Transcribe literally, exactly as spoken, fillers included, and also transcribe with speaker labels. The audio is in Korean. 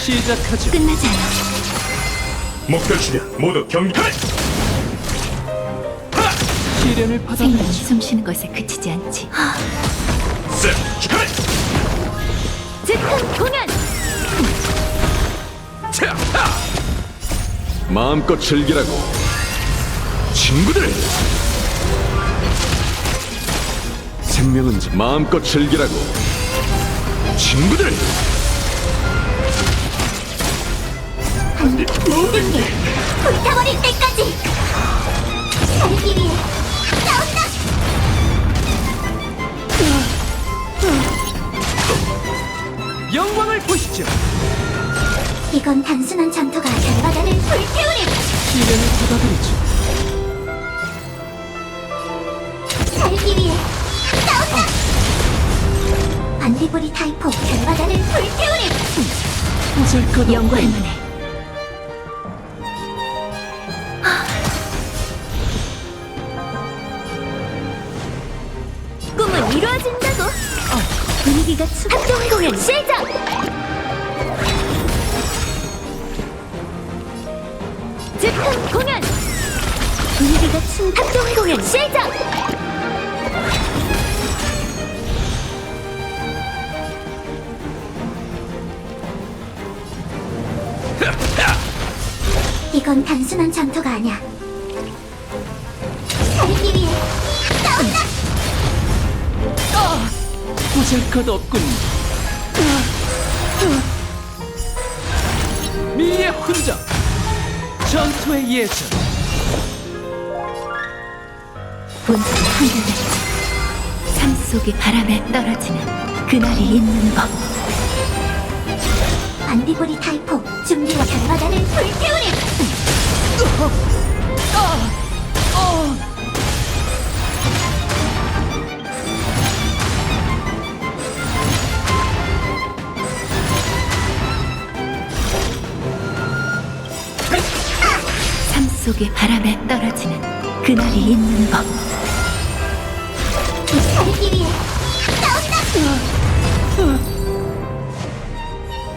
Speaker 1: 시작하죠.
Speaker 2: 끝나지 않아.
Speaker 3: 목표 주변 모두 경계.
Speaker 1: 시련을
Speaker 2: 생명이
Speaker 1: 받아들이죠.
Speaker 2: 숨쉬는 것에 그치지 않지.
Speaker 3: 셋, 축하해.
Speaker 2: 즉흥 공연!
Speaker 3: 차, 하!
Speaker 4: 마음껏 즐기라고.
Speaker 3: 친구들,
Speaker 4: 생명은 자- 마음껏 즐기라고.
Speaker 3: 친구들.
Speaker 2: 모든 게 불타버릴 때까지! 살기 위해 싸운다!
Speaker 1: 영광을 보시죠.
Speaker 2: 이건 단순한 전투가 결과단을 불태우리!
Speaker 1: 시련을 받아들이죠.
Speaker 2: 살기 위해 싸운다! 반디브리 타이포 결과단을 불태우리!
Speaker 1: 보잘것
Speaker 2: 연구할
Speaker 1: 없고
Speaker 2: 만해. 꿈은 이루어진다고! 어, 분위기가 추 합동 공연 시작! 즉흥 공연! 분위기가 추 합동 공연 시작! 이건 단순한 전투가 아니야. 살기 위해 싸운다!
Speaker 1: 보잘것 없군. 미의 훈장. 전투의 예전.
Speaker 2: 본성이 한결같이 삶 속의 바람에 떨어지는 그날이 있는 법. 반디브리 타이포 준비와 결과단을 불태우리! 삶 속의 바람에 떨어지는 그날이 있는 법.